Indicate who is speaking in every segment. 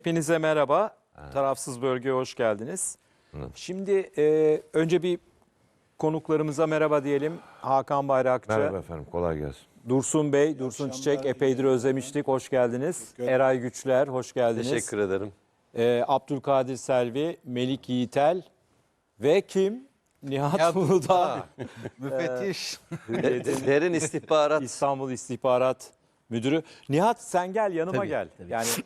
Speaker 1: Hepinize merhaba. Tarafsız Bölge'ye hoş geldiniz. Şimdi önce bir konuklarımıza merhaba diyelim. Hakan Bayrakçı,
Speaker 2: Merhaba efendim, kolay gelsin.
Speaker 1: Dursun Bey, Dursun Çiçek epeydir özlemiştik. Hoş geldiniz. Eray Güçler, hoş geldiniz.
Speaker 3: Teşekkür ederim.
Speaker 1: Abdülkadir Selvi, Melik Yiğitel ve kim? Nihat Uludağ.
Speaker 4: Müfettiş.
Speaker 3: Derin istihbarat.
Speaker 1: İstanbul İstihbarat Müdürü. Nihat sen gel yanıma
Speaker 4: Tabii,
Speaker 1: gel.
Speaker 4: tabii.
Speaker 1: Yani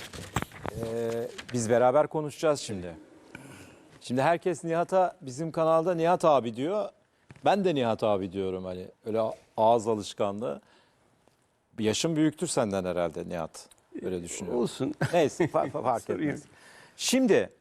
Speaker 1: biz beraber konuşacağız şimdi. Şimdi herkes Nihat'a bizim kanalda Nihat abi diyor. Ben de Nihat abi diyorum hani öyle ağız alışkanlığı. Bir yaşım büyüktür senden herhalde Nihat. Öyle düşünüyorum.
Speaker 4: Olsun.
Speaker 1: Neyse fark etmez. Şimdi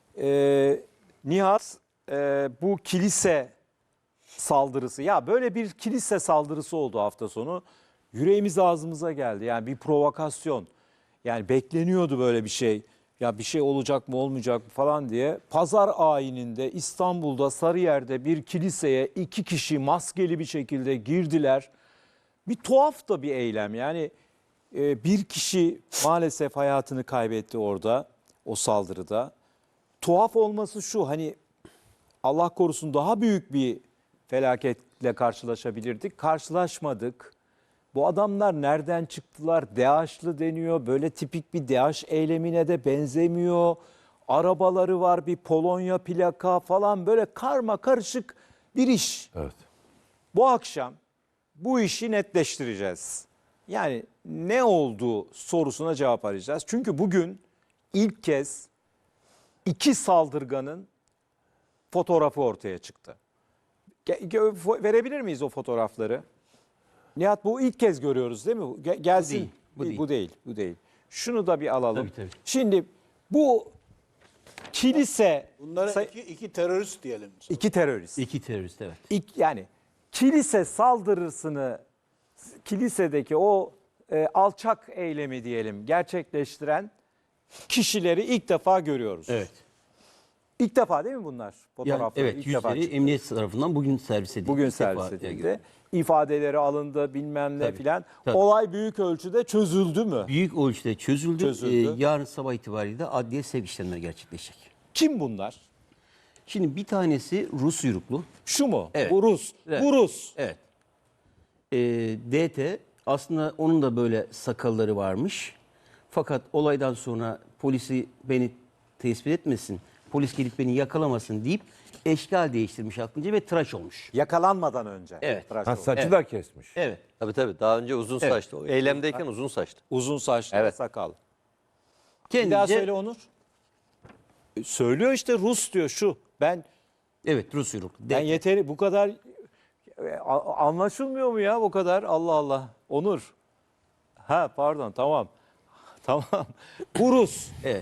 Speaker 1: Nihat bu kilise saldırısı ya böyle bir kilise saldırısı oldu hafta sonu. Yüreğimiz ağzımıza geldi. Yani bir provokasyon. Yani bekleniyordu böyle bir şey. Ya bir şey olacak mı olmayacak mı falan diye. Pazar ayininde İstanbul'da Sarıyer'de bir kiliseye 2 kişi maskeli bir şekilde girdiler. Bir tuhaf da bir eylem. Yani bir kişi maalesef hayatını kaybetti orada o saldırıda. Tuhaf olması şu hani Allah korusun daha büyük bir felaketle karşılaşabilirdik. Karşılaşmadık. Bu adamlar nereden çıktılar? DAEŞ'lı deniyor. Böyle tipik bir DAEŞ eylemine de benzemiyor. Arabaları var, bir Polonya plaka falan böyle karma karışık bir iş.
Speaker 2: Evet.
Speaker 1: Bu akşam bu işi netleştireceğiz. Yani ne oldu sorusuna cevap arayacağız. Çünkü bugün ilk kez 2 saldırganın fotoğrafı ortaya çıktı. Verebilir miyiz o fotoğrafları? Nihat bu ilk kez görüyoruz değil mi? Gelsin. Bu değil. Şunu da bir alalım.
Speaker 4: Tabii.
Speaker 1: Şimdi bu kilise
Speaker 5: Bunlara iki terörist diyelim.
Speaker 1: 2 terörist.
Speaker 4: İki terörist, evet.
Speaker 1: Yani kilise saldırısını kilisedeki o alçak eylemi diyelim gerçekleştiren kişileri ilk defa görüyoruz.
Speaker 4: Evet.
Speaker 1: İlk defa değil mi bunlar?
Speaker 4: Yani,
Speaker 1: Fotoğrafları
Speaker 4: evet,
Speaker 1: ilk defa
Speaker 4: yüzleri
Speaker 1: çıktı.
Speaker 4: emniyet tarafından bugün servis edildi.
Speaker 1: Bugün
Speaker 4: İlk
Speaker 1: servis
Speaker 4: defa
Speaker 1: edildi. İfadeleri alındı bilmem ne
Speaker 4: Tabii,
Speaker 1: filan.
Speaker 4: tabii.
Speaker 1: Olay büyük ölçüde çözüldü mü?
Speaker 4: Büyük ölçüde çözüldü.
Speaker 1: Çözüldü.
Speaker 4: Yarın sabah itibariyle de adliye sevk işlemleri gerçekleşecek.
Speaker 1: Kim bunlar?
Speaker 4: Şimdi bir tanesi Rus uyruklu.
Speaker 1: Şu mu?
Speaker 4: Evet.
Speaker 1: Bu Rus.
Speaker 4: Evet.
Speaker 1: Bu Rus.
Speaker 4: Evet. DT aslında onun da böyle sakalları varmış. Fakat olaydan sonra polisi beni tespit etmesin, polis gelip beni yakalamasın deyip eşkal değiştirmiş aklınca ve tıraş olmuş.
Speaker 1: Yakalanmadan önce.
Speaker 4: Evet.
Speaker 1: Tıraş
Speaker 2: Ha,
Speaker 1: oldu.
Speaker 2: saçı
Speaker 4: Evet.
Speaker 2: da kesmiş.
Speaker 4: Evet.
Speaker 3: Tabii daha önce uzun
Speaker 4: Evet.
Speaker 3: saçlı. O eylemdeyken uzun saçlı.
Speaker 1: Uzun saçlı
Speaker 3: Evet.
Speaker 1: sakal. Bir
Speaker 4: Kendince,
Speaker 1: daha söyle Onur. Söylüyor işte Rus diyor şu. Ben
Speaker 4: Evet, Rus uyruklu.
Speaker 1: ben
Speaker 4: DT.
Speaker 1: yeteri bu kadar anlaşılmıyor mu ya bu kadar? Allah Allah. Onur. Ha pardon tamam. Tamam. Bu Rus.
Speaker 4: Evet.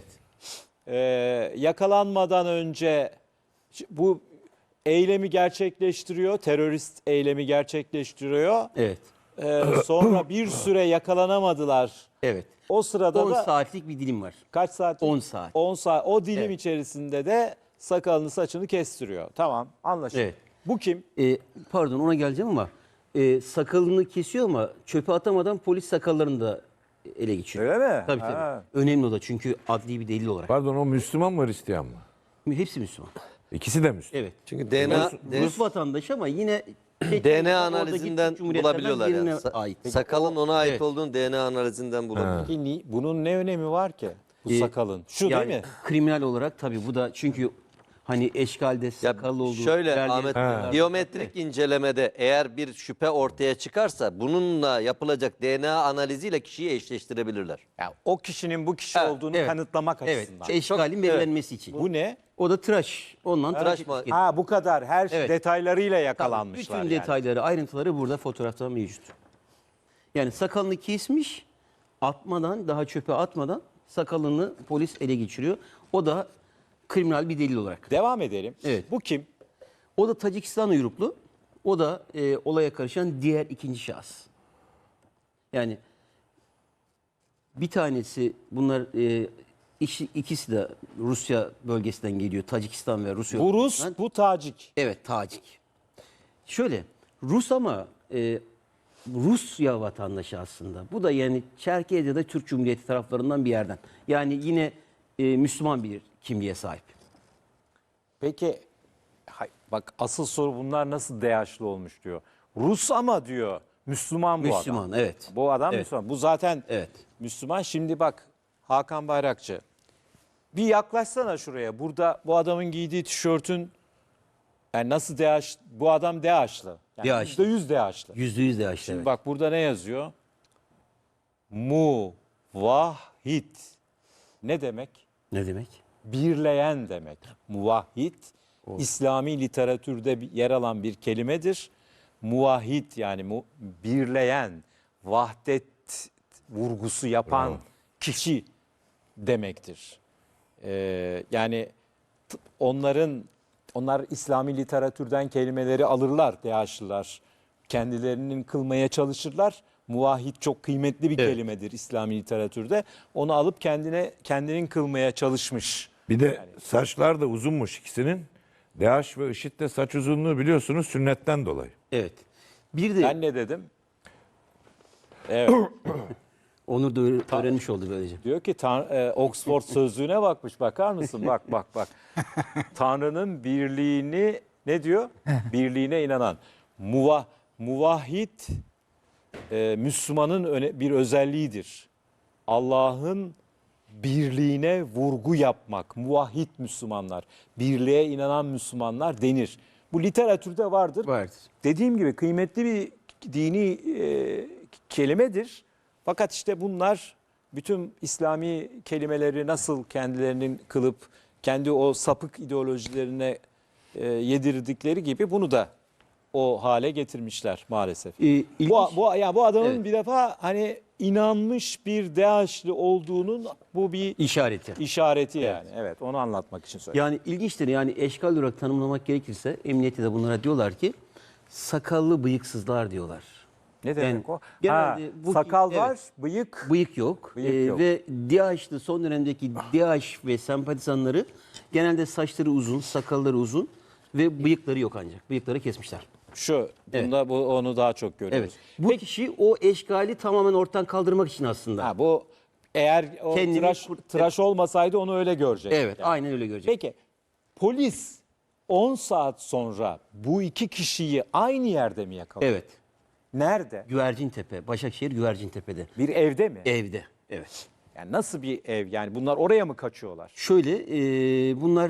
Speaker 1: Yakalanmadan önce bu eylemi gerçekleştiriyor. Terörist eylemi gerçekleştiriyor.
Speaker 4: Evet.
Speaker 1: Sonra bir süre yakalanamadılar.
Speaker 4: Evet.
Speaker 1: O sırada
Speaker 4: 10
Speaker 1: da
Speaker 4: saatlik bir dilim var.
Speaker 1: kaç saat?
Speaker 4: 10 saat.
Speaker 1: 10 saat. O dilim
Speaker 4: Evet.
Speaker 1: içerisinde de sakalını saçını kestiriyor. Tamam anlaşıldı.
Speaker 4: Evet.
Speaker 1: Bu kim?
Speaker 4: Pardon, ona geleceğim ama sakalını kesiyor ama çöpe atamadan polis sakallarını da ele geçiriyor.
Speaker 1: Öyle mi?
Speaker 4: Tabii
Speaker 1: Ha.
Speaker 4: tabii. Önemli o da çünkü adli bir delil olarak.
Speaker 2: Pardon, o Müslüman mı Hristiyan mı?
Speaker 4: Hepsi Müslüman.
Speaker 2: İkisi de Müslüman.
Speaker 4: Evet.
Speaker 3: Çünkü DNA
Speaker 4: Rus vatandaşı ama yine
Speaker 3: DNA
Speaker 4: oradaki
Speaker 3: analizinden
Speaker 4: Türk Cumhuriyetlerden
Speaker 3: bulabiliyorlar yani.
Speaker 4: birine ait.
Speaker 3: Sakalın ona ait
Speaker 4: Evet.
Speaker 3: olduğunu DNA analizinden bulabiliyorlar.
Speaker 1: Peki bunun ne önemi var ki? Bu sakalın. Şu
Speaker 4: Yani
Speaker 1: değil mi?
Speaker 4: kriminal olarak tabii bu da çünkü hani eşkalde
Speaker 3: Ya
Speaker 4: sakallı olduğu
Speaker 3: şöyle
Speaker 4: ilerleyen
Speaker 3: Ahmet,
Speaker 4: dönemlerde-
Speaker 3: biyometrik incelemede eğer bir şüphe ortaya çıkarsa bununla yapılacak DNA analiziyle kişiyi eşleştirebilirler.
Speaker 1: Ya, o kişinin bu kişi
Speaker 3: Evet,
Speaker 1: olduğunu
Speaker 4: evet.
Speaker 1: kanıtlamak
Speaker 4: Evet.
Speaker 1: açısından.
Speaker 4: Eşkalin belirlenmesi için.
Speaker 1: Bu ne?
Speaker 4: O da tıraş. Ondan tıraş
Speaker 3: Tıraş mı?
Speaker 4: etiketi.
Speaker 1: Ha bu kadar her
Speaker 4: Evet.
Speaker 1: detaylarıyla
Speaker 4: Tabii,
Speaker 1: yakalanmışlar
Speaker 4: bütün
Speaker 1: yani.
Speaker 4: detayları, ayrıntıları burada fotoğrafta mevcut. Yani sakalını kesmiş, atmadan, daha çöpe atmadan sakalını polis ele geçiriyor. O da kriminal bir delil olarak.
Speaker 1: Devam edelim.
Speaker 4: Evet.
Speaker 1: Bu kim?
Speaker 4: O da Tacikistan uyruklu. O da olaya karışan diğer ikinci şahıs. Yani bir tanesi bunlar ikisi de Rusya bölgesinden geliyor. Tacikistan ve Rusya.
Speaker 1: Bu Rus,
Speaker 4: bölgesinden.
Speaker 1: bu Tacik.
Speaker 4: Evet, Tacik. Şöyle, Rus ama Rusya vatandaşı aslında. Bu da yani Çerkezya da Türk Cumhuriyeti taraflarından bir yerden. Yani yine Müslüman bir kimliğe sahip.
Speaker 1: Peki bak asıl soru bunlar nasıl DH'lı olmuş diyor. Rus ama diyor Müslüman bu adam.
Speaker 4: Müslüman, evet.
Speaker 1: Bu adam
Speaker 4: Evet.
Speaker 1: Müslüman. Bu zaten
Speaker 4: Evet.
Speaker 1: Müslüman. Şimdi bak Hakan Bayrakçı. Bir yaklaşsana şuraya. Burada bu adamın giydiği tişörtün yani nasıl DH, bu adam DH'lı. Yani
Speaker 4: DH'lı.
Speaker 1: %100 DH'lı.
Speaker 4: %100 DH'lı.
Speaker 1: Şimdi
Speaker 4: Evet.
Speaker 1: bak burada ne yazıyor? Muvahhid. Ne demek?
Speaker 4: Ne demek?
Speaker 1: Birleyen demek. Muvahhid İslami literatürde yer alan bir kelimedir. Muvahhid yani birleyen, vahdet vurgusu yapan kişi demektir. Yani onlar İslami literatürden kelimeleri alırlar DH'lılar. Kendilerinin kılmaya çalışırlar. Muvahhid çok kıymetli bir kelimedir İslami literatürde. Onu alıp kendinin kılmaya çalışmış.
Speaker 2: Bir de saçlar da uzunmuş ikisinin. DH ve IŞİD de saç uzunluğu biliyorsunuz sünnetten dolayı.
Speaker 4: Evet. Bir de
Speaker 1: Ben ne dedim? Evet.
Speaker 4: Onur da öğrenmiş oldu böylece.
Speaker 1: Diyor ki Oxford sözlüğüne bakmış. Bakar mısın? Bak. Tanrı'nın birliğini ne diyor? Birliğine inanan. Muvahhid Müslümanın bir özelliğidir. Allah'ın birliğine vurgu yapmak. Muvahhid Müslümanlar, birliğe inanan Müslümanlar denir. Bu literatürde vardır.
Speaker 4: Vardır.
Speaker 1: Dediğim gibi kıymetli bir dini kelimedir. Fakat işte bunlar bütün İslami kelimeleri nasıl kendilerinin kılıp kendi o sapık ideolojilerine yedirdikleri gibi bunu da o hale getirmişler maalesef.
Speaker 4: İlginç.
Speaker 1: Bu adamın
Speaker 4: Evet.
Speaker 1: bir defa hani inanmış bir DAEŞ'li olduğunun bu bir
Speaker 4: İşareti.
Speaker 1: işareti yani. Evet, onu anlatmak için söyledim.
Speaker 4: Yani ilginçtir. Yani eşkal olarak tanımlamak gerekirse emniyette de bunlara diyorlar ki sakallı bıyıksızlar diyorlar.
Speaker 1: Ne demek
Speaker 4: yani
Speaker 1: o?
Speaker 4: genelde bu-
Speaker 1: sakal
Speaker 4: evet.
Speaker 1: var, bıyık.
Speaker 4: Bıyık yok.
Speaker 1: Bıyık yok.
Speaker 4: Ve DAEŞ'li son dönemdeki DAEŞ ve sempatizanları genelde saçları uzun, sakalları uzun ve bıyıkları yok ancak. Bıyıkları kesmişler.
Speaker 1: Şu,
Speaker 4: Evet.
Speaker 1: bunda onu daha çok görüyoruz.
Speaker 4: Evet. Bu kişi o eşkali tamamen ortadan kaldırmak için aslında.
Speaker 1: Ha, bu eğer o
Speaker 4: Kendini
Speaker 1: tıraş olmasaydı onu öyle görecek.
Speaker 4: Evet, aynen öyle görecek.
Speaker 1: Peki polis 10 saat sonra bu iki kişiyi aynı yerde mi yakaladı?
Speaker 4: Evet.
Speaker 1: Nerede?
Speaker 4: Güvercintepe, Başakşehir Güvercintepe'de.
Speaker 1: Bir evde mi?
Speaker 4: Evde. Evet.
Speaker 1: Yani nasıl bir ev? Yani bunlar oraya mı kaçıyorlar?
Speaker 4: Şöyle, bunlar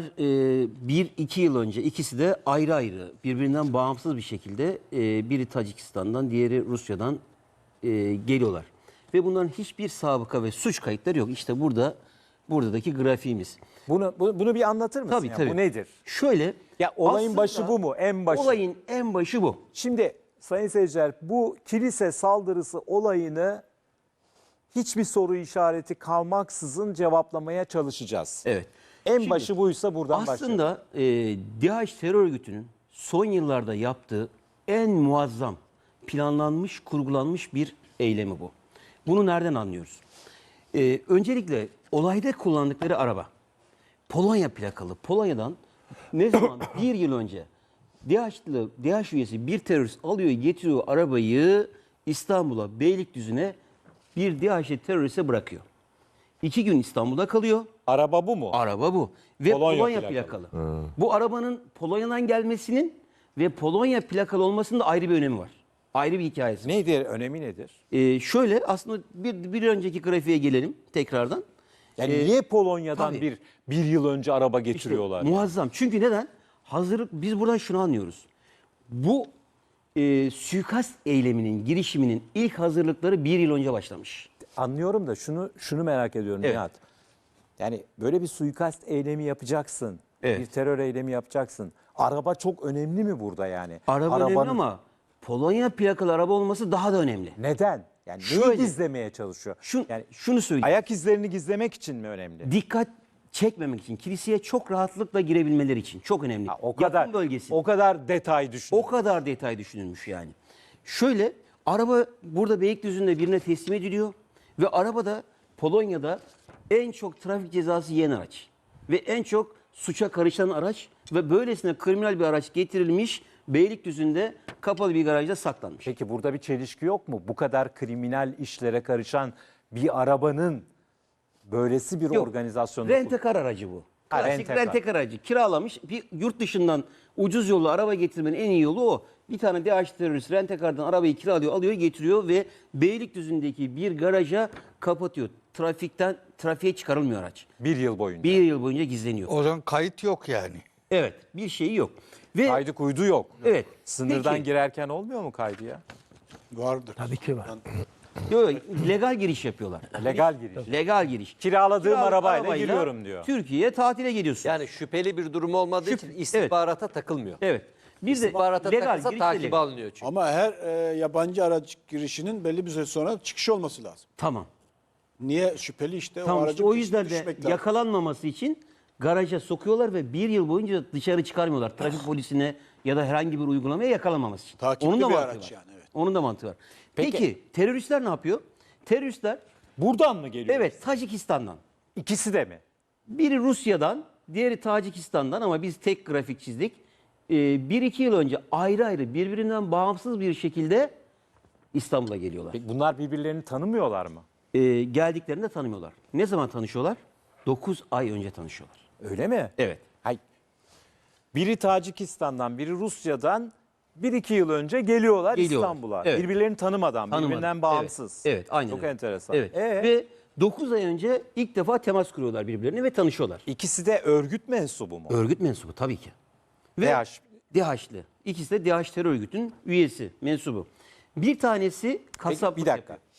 Speaker 4: 1-2 yıl önce ikisi de ayrı ayrı, birbirinden bağımsız bir şekilde biri Tacikistan'dan, diğeri Rusya'dan geliyorlar. Ve bunların hiçbir sabıka ve suç kayıtları yok. İşte buradaki grafiğimiz.
Speaker 1: Bunu bir anlatır mısın?
Speaker 4: Tabii,
Speaker 1: ya?
Speaker 4: tabii.
Speaker 1: Bu nedir?
Speaker 4: Şöyle,
Speaker 1: Ya olayın
Speaker 4: aslında
Speaker 1: başı bu mu? En başı.
Speaker 4: Olayın en başı bu.
Speaker 1: Şimdi sayın seyirciler bu kilise saldırısı olayını hiçbir soru işareti kalmaksızın cevaplamaya çalışacağız.
Speaker 4: Evet.
Speaker 1: En
Speaker 4: Şimdi,
Speaker 1: başı buysa buradan başlayalım.
Speaker 4: Aslında DAEŞ terör örgütünün son yıllarda yaptığı en muazzam, planlanmış, kurgulanmış bir eylemi bu. Bunu nereden anlıyoruz? Öncelikle olayda kullandıkları araba, Polonya plakalı. Polonya'dan ne zaman bir yıl önce DAEŞ üyesi bir terörist alıyor, getiriyor arabayı İstanbul'a, Beylikdüzü'ne bir DAEŞ'li teröriste bırakıyor. 2 gün İstanbul'da kalıyor.
Speaker 1: Araba bu mu?
Speaker 4: Araba bu. Ve
Speaker 1: Polonya
Speaker 4: Polonya,
Speaker 1: plakalı.
Speaker 4: plakalı. Bu arabanın Polonya'dan gelmesinin ve Polonya plakalı olmasının da ayrı bir önemi var. Ayrı bir hikayesi var.
Speaker 1: Nedir? Önemi nedir?
Speaker 4: Şöyle aslında bir önceki grafiğe gelelim tekrardan.
Speaker 1: Yani niye Polonya'dan
Speaker 4: tabii.
Speaker 1: bir yıl önce araba
Speaker 4: İşte
Speaker 1: getiriyorlar?
Speaker 4: muazzam. Çünkü neden? Hazırlık, biz buradan şunu anlıyoruz. Bu suikast eyleminin, girişiminin ilk hazırlıkları bir yıl önce başlamış.
Speaker 1: Anlıyorum da şunu merak ediyorum
Speaker 4: Evet.
Speaker 1: Nihat. Yani böyle bir suikast eylemi yapacaksın.
Speaker 4: Evet.
Speaker 1: Bir terör eylemi yapacaksın. Araba çok önemli mi burada yani?
Speaker 4: Araba önemli
Speaker 1: Arabanın-
Speaker 4: ama Polonya plakalı araba olması daha da önemli.
Speaker 1: Neden? Yani neyi
Speaker 4: Şöyle.
Speaker 1: gizlemeye çalışıyor? Yani
Speaker 4: Şunu söyleyeyim.
Speaker 1: ayak izlerini gizlemek için mi önemli?
Speaker 4: Dikkat çekmemek için, kiliseye çok rahatlıkla girebilmeleri için çok önemli.
Speaker 1: O kadar
Speaker 4: Yakın bölgesi.
Speaker 1: o kadar detay düşün.
Speaker 4: O kadar detay düşünülmüş yani. Şöyle, araba burada Beylikdüzü'nde birine teslim ediliyor ve arabada Polonya'da en çok trafik cezası yiyen araç ve en çok suça karışan araç ve böylesine kriminal bir araç getirilmiş Beylikdüzü'nde kapalı bir garajda saklanmış.
Speaker 1: Peki burada bir çelişki yok mu? Bu kadar kriminal işlere karışan bir arabanın Böylesi bir
Speaker 4: Yok,
Speaker 1: organizasyonda
Speaker 4: Rentekar aracı bu.
Speaker 1: Ha,
Speaker 4: Klasik
Speaker 1: rentekar.
Speaker 4: rentekar aracı. Kiralamış. Bir yurt dışından ucuz yollu araba getirmenin en iyi yolu o. Bir tane DAEŞ terörist rentekardan arabayı kiralıyor, alıyor, getiriyor ve Beylikdüzü'ndeki bir garaja kapatıyor. Trafiğe çıkarılmıyor araç.
Speaker 1: bir yıl boyunca.
Speaker 4: Bir yıl boyunca gizleniyor.
Speaker 5: O zaman kayıt yok yani.
Speaker 4: Evet, bir şeyi yok. Ve
Speaker 1: Kaydı kuydu yok.
Speaker 4: evet.
Speaker 1: Sınırdan
Speaker 4: Peki,
Speaker 1: girerken olmuyor mu kaydı ya?
Speaker 5: Vardır.
Speaker 6: Tabii ki var.
Speaker 4: yok, yok, legal giriş yapıyorlar.
Speaker 1: Legal giriş.
Speaker 4: Legal giriş.
Speaker 1: Kiraladığım arabayla giriyorum diyor.
Speaker 4: Türkiye'ye tatile geliyorsun.
Speaker 3: Yani şüpheli bir durum olmadığı için istihbarata takılmıyor.
Speaker 4: Evet. Bir de
Speaker 3: İstihbarata
Speaker 4: legal
Speaker 3: takılsa
Speaker 4: giriş de
Speaker 3: takibe
Speaker 4: legal.
Speaker 3: alınıyor çünkü.
Speaker 5: Ama her yabancı araç girişinin belli bir süre sonra çıkış olması lazım.
Speaker 4: Tamam.
Speaker 5: Niye? Şüpheli işte.
Speaker 4: Tamam
Speaker 5: aracın
Speaker 4: işte o yüzden de
Speaker 5: düşmek lazım.
Speaker 4: yakalanmaması için garaja sokuyorlar ve bir yıl boyunca dışarı çıkarmıyorlar. Trafik polisine ya da herhangi bir uygulamaya yakalanmaması için.
Speaker 5: Takipli
Speaker 4: Onun da
Speaker 5: bir
Speaker 4: mantığı
Speaker 5: araç
Speaker 4: var.
Speaker 5: yani, evet.
Speaker 4: Onun da mantığı var. Peki teröristler ne yapıyor? Teröristler
Speaker 1: Buradan mı geliyor?
Speaker 4: evet Tacikistan'dan.
Speaker 1: İkisi de mi?
Speaker 4: Biri Rusya'dan, diğeri Tacikistan'dan ama biz tek grafik çizdik. 1-2 yıl önce ayrı ayrı birbirinden bağımsız bir şekilde İstanbul'a geliyorlar.
Speaker 1: Peki bunlar birbirlerini tanımıyorlar mı?
Speaker 4: Geldiklerinde tanımıyorlar. Ne zaman tanışıyorlar? 9 ay önce tanışıyorlar.
Speaker 1: Öyle mi?
Speaker 4: Evet.
Speaker 1: Hay. Biri Tacikistan'dan, biri Rusya'dan 1-2 yıl önce geliyorlar
Speaker 4: Geliyorlar.
Speaker 1: İstanbul'a.
Speaker 4: Evet.
Speaker 1: Birbirlerini tanımadan,
Speaker 4: Tanımadan.
Speaker 1: birbirinden bağımsız.
Speaker 4: Evet, evet aynen
Speaker 1: Çok
Speaker 4: öyle.
Speaker 1: enteresan.
Speaker 4: Evet. Ve 9 ay önce ilk defa temas kuruyorlar birbirlerine ve tanışıyorlar.
Speaker 1: İkisi de örgüt mensubu mu?
Speaker 4: Örgüt mensubu tabii ki. Ve
Speaker 1: DAEŞ.
Speaker 4: DAEŞ'li. İkisi de DAEŞ terör örgütünün üyesi, mensubu. Bir tanesi
Speaker 1: Peki,
Speaker 4: kasaplık
Speaker 1: bir dakika.
Speaker 4: yapıyor.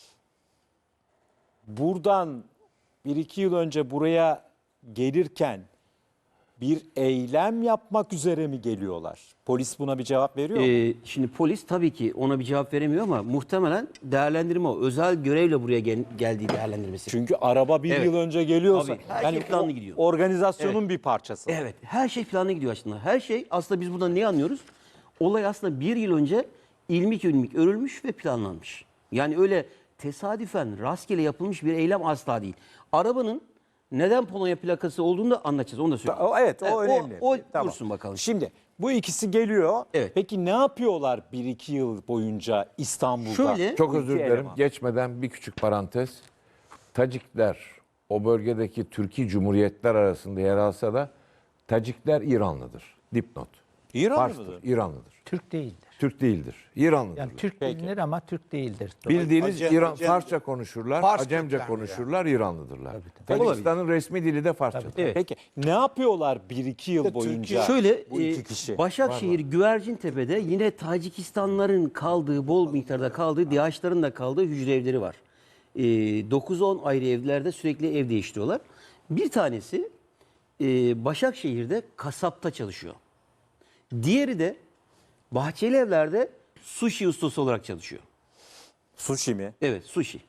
Speaker 1: Buradan 1-2 yıl önce buraya gelirken bir eylem yapmak üzere mi geliyorlar? Polis buna bir cevap veriyor mu?
Speaker 4: Şimdi polis tabii ki ona bir cevap veremiyor ama muhtemelen değerlendirme o. Özel görevle buraya geldiği değerlendirmesi.
Speaker 1: Çünkü araba bir
Speaker 4: Evet.
Speaker 1: yıl önce geliyorsa
Speaker 4: Tabii, her şey planlı gidiyor.
Speaker 1: organizasyonun bir parçası.
Speaker 4: Evet, her şey planlı gidiyor aslında. Her şey aslında biz buradan ne anlıyoruz? Olay aslında bir yıl önce ilmik ilmik örülmüş ve planlanmış. Yani öyle tesadüfen rastgele yapılmış bir eylem asla değil. Arabanın neden Polonya plakası olduğunu da anlatacağız. Onu da söyleyeyim.
Speaker 1: Evet, o önemli.
Speaker 4: O
Speaker 1: Tamam.
Speaker 4: dursun bakalım.
Speaker 1: Şimdi bu ikisi geliyor.
Speaker 4: Evet.
Speaker 1: Peki ne yapıyorlar 1-2 yıl boyunca İstanbul'da?
Speaker 4: Şöyle-
Speaker 2: Çok
Speaker 1: Bu
Speaker 2: özür
Speaker 1: iki
Speaker 2: dilerim.
Speaker 1: eleman.
Speaker 2: Geçmeden bir küçük parantez. Tacikler o bölgedeki Türkiye Cumhuriyetler arasında yer alsa da Tacikler İranlıdır. Dipnot.
Speaker 1: İranlı
Speaker 2: Fars'tır,
Speaker 1: mıdır?
Speaker 2: İranlıdır.
Speaker 6: Türk değildir.
Speaker 2: Türk değildir. İranlıdır.
Speaker 6: Yani Türk bilinir ama Türk değildir.
Speaker 2: Bildiğiniz
Speaker 5: Acem-
Speaker 2: İran
Speaker 5: Acemce.
Speaker 2: Farsça konuşurlar,
Speaker 7: Fars
Speaker 2: Acemce
Speaker 7: Türkler
Speaker 2: konuşurlar, İranlıdırlar.
Speaker 4: tabii.
Speaker 2: Tacikistan'ın resmi dili de Farsça.
Speaker 4: Evet.
Speaker 1: Peki ne yapıyorlar 1-2 yıl boyunca?
Speaker 4: Şöyle
Speaker 1: bu iki kişi.
Speaker 4: Başakşehir Güvercintepe'de yine Tacikistanların kaldığı, bol miktarda kaldığı, DİHAÇ'ların da kaldığı hücre evleri var. 9-10 ayrı evlerde sürekli ev değiştiriyorlar. Bir tanesi Başakşehir'de kasapta çalışıyor. Diğeri de Bahçeli Evler'de sushi ustası olarak çalışıyor.
Speaker 1: Sushi mi?
Speaker 4: Evet, sushi.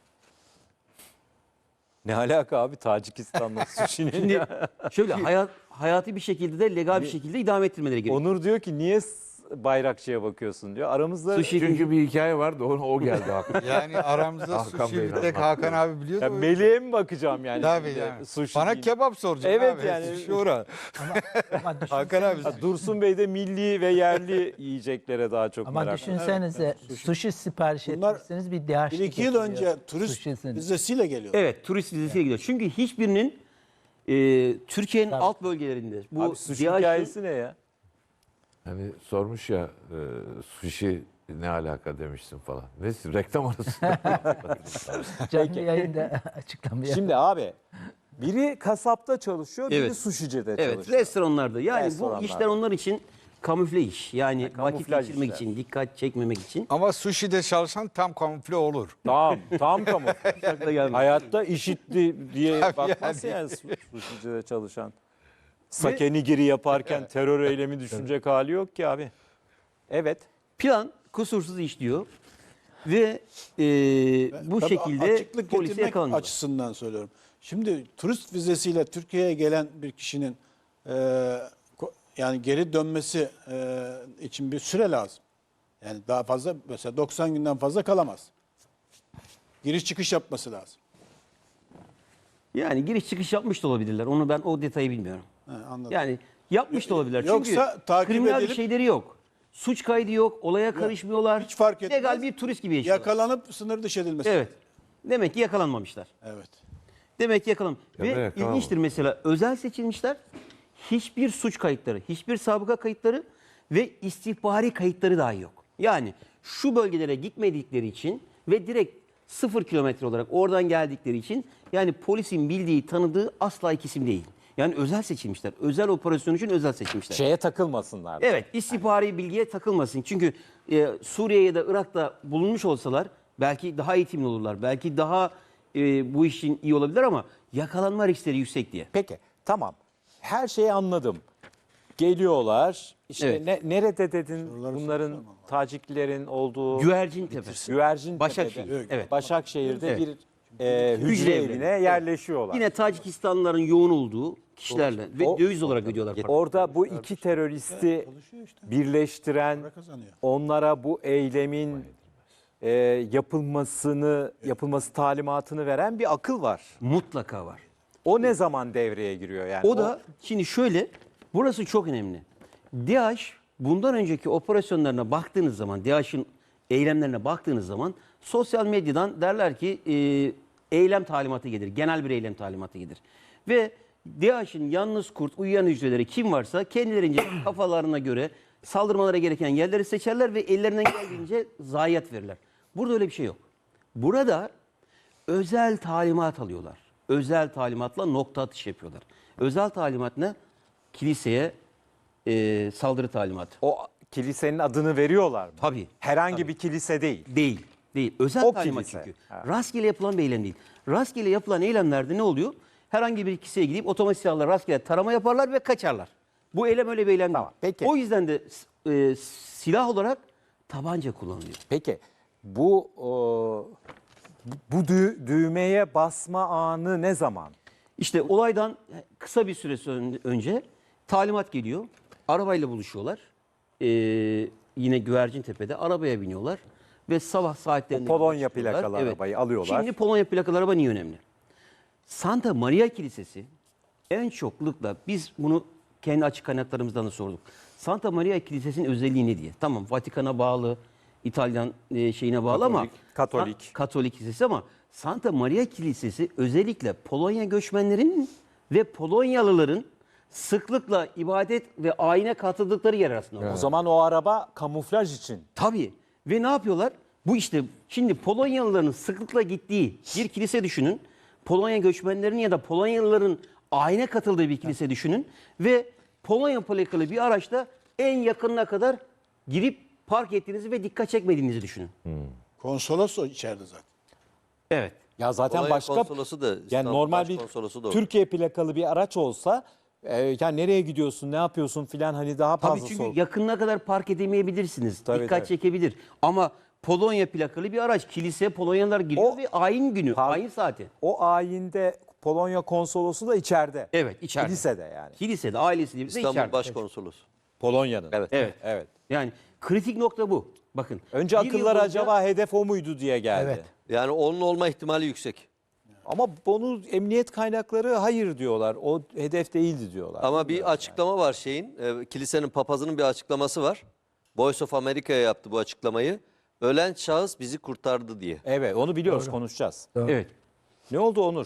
Speaker 1: Ne alaka abi Tacikistan'la sushi'nin
Speaker 4: Şimdi
Speaker 1: ya?
Speaker 4: şöyle hayati bir şekilde de legal bir şekilde idame ettirmeleri gerekiyor.
Speaker 1: Onur diyor ki niye Bayrakçı'ya bakıyorsun diyor. Aramızda
Speaker 4: Sushi
Speaker 2: Çünkü bir hikaye vardı, o geldi aklıma.
Speaker 7: Yani aramızda
Speaker 2: Hakan
Speaker 7: sushi
Speaker 2: Bey'le
Speaker 7: bir tek
Speaker 2: Hakan
Speaker 7: Hakan abi biliyor
Speaker 1: ya
Speaker 7: da.
Speaker 1: Melih'e mi bakacağım yani?
Speaker 7: Tabii
Speaker 1: şimdi?
Speaker 7: yani.
Speaker 1: Sushi
Speaker 7: Bana
Speaker 1: değil.
Speaker 7: kebap soracak
Speaker 1: Evet
Speaker 7: abi.
Speaker 1: yani.
Speaker 7: Sushi ora.
Speaker 6: Ama
Speaker 7: Hakan abi.
Speaker 1: Ha, Dursun Bey de milli ve yerli yiyeceklere daha çok
Speaker 6: Ama
Speaker 1: merak.
Speaker 6: düşünsenize sushi sipariş
Speaker 5: Bunlar
Speaker 6: etmişsiniz bir DH
Speaker 5: 1-2 yıl önce turist
Speaker 6: Sushi'sini.
Speaker 5: vizesiyle geliyor.
Speaker 4: Evet, turist vizesiyle gidiyor. Çünkü hiçbirinin Türkiye'nin alt bölgelerinde bu
Speaker 1: Abi sushi
Speaker 4: DİHAÇ'ın
Speaker 1: hikayesi ne ya?
Speaker 2: Hani sormuş ya sushi ne alaka demişsin falan. Neyse reklam arası.
Speaker 6: Canlı yayında açıklamaya.
Speaker 1: Şimdi abi biri kasapta çalışıyor, biri
Speaker 4: Evet.
Speaker 1: sushi'de
Speaker 4: evet,
Speaker 1: çalışıyor.
Speaker 4: restoranlarda. Yani
Speaker 1: Restoranlarda.
Speaker 4: bu işler onlar için kamufle iş. Yani vakit
Speaker 1: kamuflaj
Speaker 4: geçirmek
Speaker 1: işler.
Speaker 4: için, dikkat çekmemek için.
Speaker 7: Ama sushi'de çalışan tam kamufle olur.
Speaker 1: Tam kamu.
Speaker 4: Akla gelmedi.
Speaker 1: Hayatta işitti diye
Speaker 7: Tabii
Speaker 1: bakmaz yani sushi'de çalışan. Sake nigiri yaparken terör eylemi düşünecek hali yok ki abi. Evet.
Speaker 4: Plan kusursuz işliyor ve bu
Speaker 5: Tabii
Speaker 4: şekilde
Speaker 5: açıklık
Speaker 4: polise
Speaker 5: getirmek
Speaker 4: yakalanıyor.
Speaker 5: açısından söylüyorum. Şimdi turist vizesiyle Türkiye'ye gelen bir kişinin yani geri dönmesi için bir süre lazım. Yani daha fazla mesela 90 günden fazla kalamaz. Giriş çıkış yapması lazım.
Speaker 4: Yani giriş çıkış yapmış da olabilirler. Onu ben o detayı bilmiyorum.
Speaker 5: He, anladım.
Speaker 4: Yani yapmış da olabilirler.
Speaker 5: Yoksa
Speaker 4: Çünkü
Speaker 5: takip
Speaker 4: kriminal bir
Speaker 5: edilip-
Speaker 4: şeyleri yok. Suç kaydı yok, olaya karışmıyorlar.
Speaker 5: hiç fark etmez.
Speaker 4: Legal bir turist gibi yaşıyorlar.
Speaker 5: Yakalanıp sınır dışı edilmesi.
Speaker 4: Evet. Demek ki yakalanmamışlar.
Speaker 5: Evet.
Speaker 4: Demek ki yakalam.
Speaker 2: Ya da
Speaker 4: Ve
Speaker 2: yakalanmadı.
Speaker 4: ilginçtir mesela özel seçilmişler hiçbir suç kayıtları, hiçbir sabıka kayıtları ve istihbari kayıtları dahi yok. Yani şu bölgelere gitmedikleri için ve direkt 0 kilometre olarak oradan geldikleri için yani polisin bildiği, tanıdığı asla iki isim değil. Yani özel seçilmişler. Özel operasyon için özel seçilmişler.
Speaker 1: Şeye takılmasınlar.
Speaker 4: Evet, istihbari bilgiye takılmasın. Çünkü Suriye ya da Irak'ta bulunmuş olsalar belki daha eğitimli olurlar. Belki daha bu işin iyi olabilir ama yakalanma riskleri yüksek diye.
Speaker 1: Peki tamam. Her şeyi anladım. Geliyorlar. İşte
Speaker 4: Evet.
Speaker 1: nerede dedin bunların Taciklerin olduğu
Speaker 4: Güvercin Tepesi.
Speaker 1: Güvercin
Speaker 4: Başakşehir, evet.
Speaker 1: Başakşehir'de
Speaker 4: Evet.
Speaker 1: bir hücre
Speaker 4: Hücre
Speaker 1: evine
Speaker 4: evleri.
Speaker 1: yerleşiyorlar.
Speaker 4: Yine Tacikistanlıların yoğun olduğu kişilerle ve
Speaker 1: O-
Speaker 4: döviz olarak ödüyorlar. para.
Speaker 1: Orada bu iki teröristi
Speaker 5: Çalışıyor işte.
Speaker 1: birleştiren,
Speaker 5: Para kazanıyor.
Speaker 1: onlara bu eylemin yapılması talimatını veren bir akıl var.
Speaker 4: Mutlaka var.
Speaker 1: O ne zaman devreye giriyor yani?
Speaker 4: O da şimdi şöyle, burası çok önemli. DAEŞ bundan önceki operasyonlarına baktığınız zaman, DAEŞ'in eylemlerine baktığınız zaman sosyal medyadan derler ki eylem talimatı gelir, genel bir eylem talimatı gelir. Ve DAEŞ'in yalnız kurt, uyuyan hücreleri kim varsa kendilerince kafalarına göre saldırmalara gereken yerleri seçerler ve ellerinden geldiğince zayiat verirler. Burada öyle bir şey yok. Burada özel talimat alıyorlar. Özel talimatla nokta atış yapıyorlar. Özel talimat ne? Kiliseye saldırı talimatı.
Speaker 1: O kilisenin adını veriyorlar mı?
Speaker 4: Tabii.
Speaker 1: Herhangi bir kilise değil.
Speaker 4: Değil. Değil. Özel
Speaker 1: O
Speaker 4: talimat
Speaker 1: kilise.
Speaker 4: çünkü.
Speaker 1: Ha.
Speaker 4: Rastgele yapılan bir eylem değil. Rastgele yapılan eylemlerde ne oluyor? Herhangi bir kiliseye gidip otomatik silahla rastgele tarama yaparlar ve kaçarlar. Bu eylem öyle bir eylem
Speaker 1: Tamam,
Speaker 4: değil.
Speaker 1: peki.
Speaker 4: O yüzden de silah olarak tabanca kullanılıyor.
Speaker 1: Peki bu düğmeye basma anı ne zaman?
Speaker 4: İşte olaydan kısa bir süre önce talimat geliyor. Arabayla buluşuyorlar. Yine Güvercintepe'de arabaya biniyorlar. Ve sabah saatlerinde...
Speaker 1: O Polonya
Speaker 4: buluşuyorlar.
Speaker 1: plakalı arabayı alıyorlar.
Speaker 4: Şimdi Polonya plakalı araba niye önemli? Santa Maria Kilisesi en çoklukla biz bunu kendi açık kaynaklarımızdan da sorduk. Santa Maria Kilisesi'nin özelliği ne diye? Tamam Vatikan'a bağlı, İtalyan şeyine bağlı ama
Speaker 1: Katolik.
Speaker 4: Katolik kilisesi ama Santa Maria Kilisesi özellikle Polonya göçmenlerinin ve Polonyalıların sıklıkla ibadet ve ayine katıldıkları yer arasında.
Speaker 1: O zaman o araba kamuflaj için.
Speaker 4: Tabii. Ve ne yapıyorlar? Bu işte şimdi Polonyalıların sıklıkla gittiği bir kilise düşünün. Polonya göçmenlerinin ya da Polonyalıların ayine katıldığı bir kilise düşünün. Ve Polonya plakalı bir araçta en yakınına kadar girip park ettiğinizi ve dikkat çekmediğinizi düşünün.
Speaker 5: Konsolos o içeride zaten.
Speaker 4: Evet.
Speaker 1: Ya zaten
Speaker 3: Polonya
Speaker 1: başka
Speaker 3: konsolosu da,
Speaker 1: yani
Speaker 3: İstanbul
Speaker 1: normal bir
Speaker 3: Başkonsolosu da orada.
Speaker 1: Türkiye plakalı bir araç olsa yani nereye gidiyorsun, ne yapıyorsun filan hani daha
Speaker 4: Tabii
Speaker 1: fazla
Speaker 4: çünkü
Speaker 1: sor.
Speaker 4: yakınına kadar park edemeyebilirsiniz.
Speaker 1: Tabii,
Speaker 4: Dikkat
Speaker 1: tabii.
Speaker 4: çekebilir. Ama Polonya plakalı bir araç. Kiliseye Polonyalılar giriyor
Speaker 1: O-
Speaker 4: ve ayin günü, ayin saati.
Speaker 1: O ayinde Polonya konsolosu da içeride.
Speaker 4: Evet, içeride.
Speaker 1: Kilisede yani.
Speaker 4: Kilisede ailesiyle birlikte
Speaker 3: İstanbul
Speaker 4: içeride.
Speaker 3: Başkonsolosu.
Speaker 1: Polonya'nın.
Speaker 3: Evet.
Speaker 4: Evet.
Speaker 1: Evet.
Speaker 4: Yani kritik nokta bu. Bakın.
Speaker 1: Önce
Speaker 4: bir yıl
Speaker 1: akıllar
Speaker 4: boyunca-
Speaker 1: acaba hedef o muydu diye geldi.
Speaker 6: Evet.
Speaker 3: Yani onun olma ihtimali yüksek.
Speaker 1: Ama bunu emniyet kaynakları hayır diyorlar. O hedef değildi diyorlar.
Speaker 3: Ama bir açıklama var şeyin. Kilisenin papazının bir açıklaması var. Voice of America'ya yaptı bu açıklamayı. Ölen şahıs bizi kurtardı diye.
Speaker 1: Evet onu biliyoruz konuşacağız.
Speaker 4: Evet.
Speaker 1: Ne oldu Onur?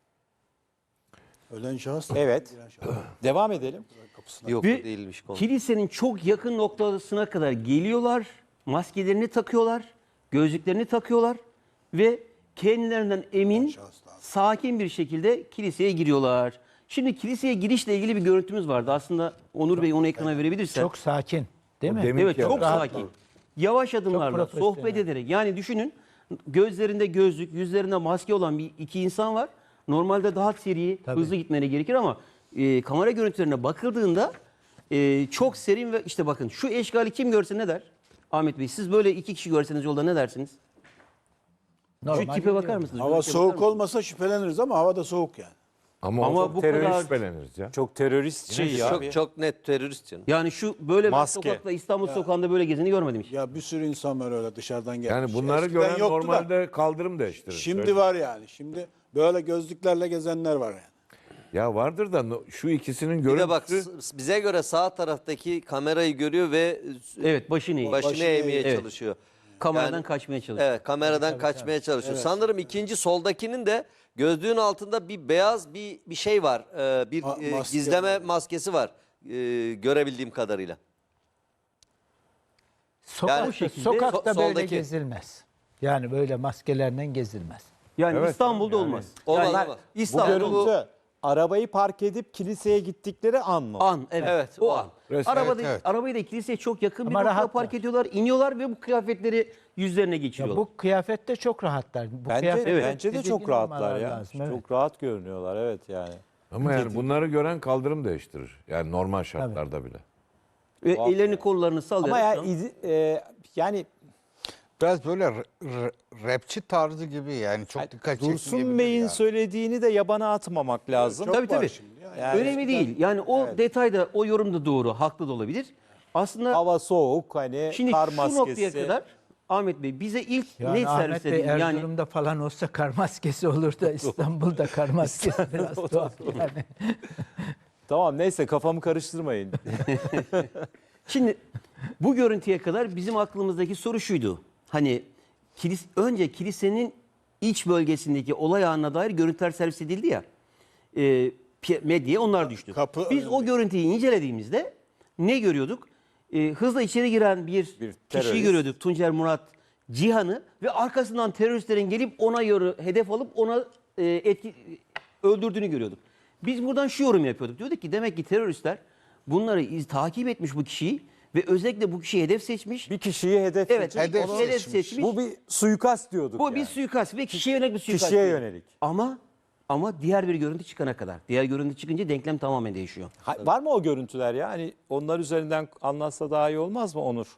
Speaker 5: Ölen şahıs.
Speaker 1: Evet.
Speaker 5: giren şahıs.
Speaker 1: Devam edelim.
Speaker 3: Yok
Speaker 4: Ve
Speaker 3: bu değilmiş konu.
Speaker 4: kilisenin çok yakın noktasına kadar geliyorlar. Maskelerini takıyorlar. Gözlüklerini takıyorlar. Ve kendilerinden emin, sakin bir şekilde kiliseye giriyorlar. Şimdi kiliseye girişle ilgili bir görüntümüz vardı. Aslında Onur Bey onu ekrana verebilirsen.
Speaker 6: Çok sakin. Değil mi?
Speaker 2: demin-
Speaker 4: Evet çok
Speaker 6: rahat
Speaker 4: sakin.
Speaker 6: ol.
Speaker 4: Yavaş adımlarla
Speaker 6: profesyonel.
Speaker 4: sohbet ederek yani düşünün gözlerinde gözlük, yüzlerinde maske olan iki insan var. Normalde daha seri,
Speaker 6: Tabii.
Speaker 4: hızlı gitmeleri gerekir ama kamera görüntülerine bakıldığında çok serin ve işte bakın şu eşgali kim görse ne der? Ahmet Bey siz böyle iki kişi görseniz yolda ne dersiniz? Şu
Speaker 6: Normal
Speaker 4: tipe bakar
Speaker 6: gidiyor.
Speaker 4: mısınız?
Speaker 5: Hava
Speaker 4: Görüntüye
Speaker 5: soğuk
Speaker 4: bakar mısınız?
Speaker 5: olmasa şüpheleniriz ama hava da soğuk yani.
Speaker 2: Ama
Speaker 4: Ama bu
Speaker 2: terörist
Speaker 4: kadar-
Speaker 2: şüpheleniriz ya.
Speaker 1: Çok terörist şey ya.
Speaker 3: Çok net terörist canım.
Speaker 4: Yani şu böyle bir
Speaker 1: Maske.
Speaker 4: sokakta İstanbul sokağında böyle gezeni görmedim hiç.
Speaker 5: Ya bir sürü insan var öyle dışarıdan gelmiş.
Speaker 2: Yani bunları
Speaker 5: Eskiden
Speaker 2: gören
Speaker 5: yoktu da
Speaker 2: normalde kaldırım değiştirir.
Speaker 5: Şimdi
Speaker 2: Söyle.
Speaker 5: var yani. Şimdi böyle gözlüklerle gezenler var yani.
Speaker 2: Ya vardır da şu ikisinin
Speaker 3: Bir de bak
Speaker 2: görüntüsü
Speaker 3: bize göre sağ taraftaki kamerayı görüyor ve
Speaker 4: Evet başını eğ.
Speaker 3: başını eğmeye
Speaker 4: Evet.
Speaker 3: çalışıyor.
Speaker 4: Kameradan
Speaker 3: Yani-
Speaker 4: kaçmaya çalışıyor.
Speaker 3: Evet kameradan kaçmaya çalışıyor. Sanırım ikinci soldakinin de Gözlüğün altında bir beyaz bir şey var. Bir
Speaker 5: Maske
Speaker 3: gizleme
Speaker 5: var.
Speaker 3: maskesi var. Görebildiğim kadarıyla.
Speaker 6: Sokakta,
Speaker 4: şekilde
Speaker 6: sokakta böyle
Speaker 3: soldaki.
Speaker 6: gezilmez. Yani böyle maskelerle gezilmez.
Speaker 4: Yani
Speaker 2: Evet,
Speaker 4: İstanbul'da
Speaker 2: yani.
Speaker 4: olmaz.
Speaker 3: Olmaz,
Speaker 4: Yani
Speaker 3: olmaz.
Speaker 1: Bu
Speaker 4: İstanbul
Speaker 1: görüntü arabayı park edip kiliseye gittikleri an mı?
Speaker 4: an, evet.
Speaker 3: Evet,
Speaker 4: o
Speaker 3: o
Speaker 4: an.
Speaker 3: an.
Speaker 2: Resmen,
Speaker 4: Arabayı
Speaker 7: evet.
Speaker 4: da kiliseye çok yakın bir
Speaker 6: Ama
Speaker 4: noktada
Speaker 6: rahatlar.
Speaker 4: park ediyorlar, iniyorlar ve bu kıyafetleri yüzlerine
Speaker 6: Ya
Speaker 4: geçiriyorlar.
Speaker 6: bu kıyafette çok rahatlar. Bu
Speaker 1: Bence,
Speaker 6: kıyafet
Speaker 1: bence de
Speaker 6: tedirgin
Speaker 1: çok rahatlar
Speaker 6: olmaları
Speaker 1: ya.
Speaker 6: lazım, evet.
Speaker 1: Çok rahat görünüyorlar evet yani.
Speaker 2: Ama yani bunları gören kaldırım değiştirir. Yani normal şartlarda bile.
Speaker 4: Ve ellerini kollarını sallayarak.
Speaker 1: Ama ya,
Speaker 4: şu an-
Speaker 1: yani
Speaker 7: Biraz böyle rapçi tarzı gibi yani çok dikkat
Speaker 1: Dursun
Speaker 7: çekmeyebilir
Speaker 1: Bey'in
Speaker 7: ya.
Speaker 1: söylediğini de yabana atmamak lazım.
Speaker 5: Çok
Speaker 4: Tabii,
Speaker 5: var
Speaker 4: tabii.
Speaker 5: şimdi ya. Yani
Speaker 4: Önemli değil. Yani o detayda, o yorum da doğru, haklı da olabilir. Aslında
Speaker 1: Hava soğuk hani
Speaker 4: şimdi
Speaker 1: kar
Speaker 4: şu
Speaker 1: maskesi.
Speaker 4: noktaya kadar Ahmet Bey bize ilk
Speaker 6: Yani
Speaker 4: net
Speaker 6: Ahmet
Speaker 4: servis
Speaker 6: Bey
Speaker 4: edildi. Yani
Speaker 6: Erzurum'da falan olsa kar maskesi olur da İstanbul'da kar maskesi biraz tuhaf yani.
Speaker 1: Tamam neyse kafamı karıştırmayın.
Speaker 4: şimdi bu görüntüye kadar bizim aklımızdaki soru şuydu. Hani önce kilisenin iç bölgesindeki olay anına dair görüntüler servis edildi ya. Medyaya onlar düştü.
Speaker 5: Kapı
Speaker 4: Biz o
Speaker 5: önünde.
Speaker 4: görüntüyü incelediğimizde ne görüyorduk? Hızla içeri giren bir kişiyi
Speaker 1: terörist.
Speaker 4: görüyorduk. Tuncer Murat Cihan'ı ve arkasından teröristlerin gelip ona hedef alıp ona öldürdüğünü görüyorduk. Biz buradan şu yorum yapıyorduk. Diyorduk ki demek ki teröristler bunları takip etmiş bu kişiyi ve özellikle bu kişiyi hedef seçmiş.
Speaker 1: Bir kişiyi hedef
Speaker 4: Evet,
Speaker 1: seçip
Speaker 7: hedef
Speaker 1: onu-
Speaker 4: seçmiş.
Speaker 1: Bu bir suikast diyorduk
Speaker 4: Bu
Speaker 1: yani.
Speaker 4: bir suikast ve kişiye yönelik bir suikast.
Speaker 1: Kişiye
Speaker 4: diyor.
Speaker 1: yönelik.
Speaker 4: Ama diğer bir görüntü çıkana kadar. Diğer görüntü çıkınca denklem tamamen değişiyor.
Speaker 1: Var mı o görüntüler ya? Hani onlar üzerinden anlatsa daha iyi olmaz mı Onur?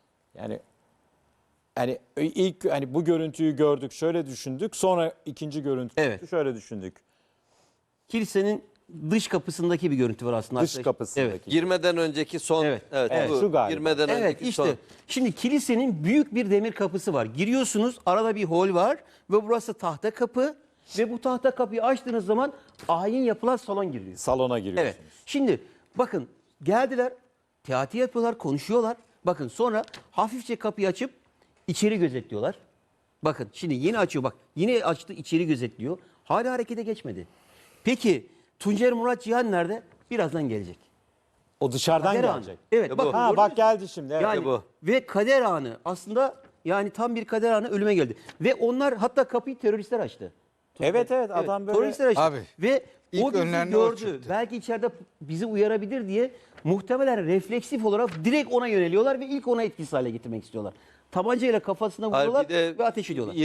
Speaker 1: Yani ilk hani bu görüntüyü gördük, şöyle düşündük. Sonra ikinci görüntü
Speaker 4: Evet.
Speaker 1: şöyle düşündük.
Speaker 4: Kilisenin dış kapısındaki bir görüntü var aslında.
Speaker 1: Dış
Speaker 4: arkadaşlar.
Speaker 1: kapısındaki.
Speaker 4: Evet.
Speaker 3: Girmeden önceki son.
Speaker 4: Evet.
Speaker 1: Evet,
Speaker 3: bu
Speaker 1: şu galiba.
Speaker 3: Girmeden
Speaker 4: Evet
Speaker 3: önceki
Speaker 4: işte
Speaker 3: son.
Speaker 4: şimdi kilisenin büyük bir demir kapısı var. Giriyorsunuz, arada bir hol var ve burası tahta kapı ve bu tahta kapıyı açtığınız zaman ayin yapılan salon giriyor.
Speaker 1: Salona giriyorsunuz.
Speaker 4: Evet. Şimdi bakın geldiler, teati yapıyorlar, konuşuyorlar. Bakın sonra hafifçe kapıyı açıp içeri gözetliyorlar. Bakın şimdi yeni açıyor bak. Yine açtı içeri gözetliyor. Hala harekete geçmedi. Peki Tuncer Murat Cihan nerede? Birazdan gelecek.
Speaker 1: O dışarıdan
Speaker 4: Kader anı.
Speaker 1: gelecek.
Speaker 4: Evet
Speaker 3: bu.
Speaker 4: bakın.
Speaker 1: Ha
Speaker 4: gördünüz
Speaker 1: bak
Speaker 4: mü?
Speaker 1: geldi şimdi. Evet.
Speaker 4: Yani
Speaker 3: bu.
Speaker 4: ve kader anı aslında yani tam bir kader anı ölüme geldi. Ve onlar hatta kapıyı teröristler açtı.
Speaker 1: Evet adam böyle
Speaker 4: Teröristler açtı.
Speaker 7: Abi,
Speaker 4: Ve
Speaker 7: ilk
Speaker 4: o bizi
Speaker 7: önlerine o
Speaker 4: gördü.
Speaker 7: çıktı.
Speaker 4: Belki içeride bizi uyarabilir diye muhtemelen refleksif olarak direkt ona yöneliyorlar ve ilk ona etkisiz hale getirmek istiyorlar. Tabancayla kafasına
Speaker 3: Hayır,
Speaker 4: vuruyorlar
Speaker 3: bir de
Speaker 4: ve ateş ediyorlar.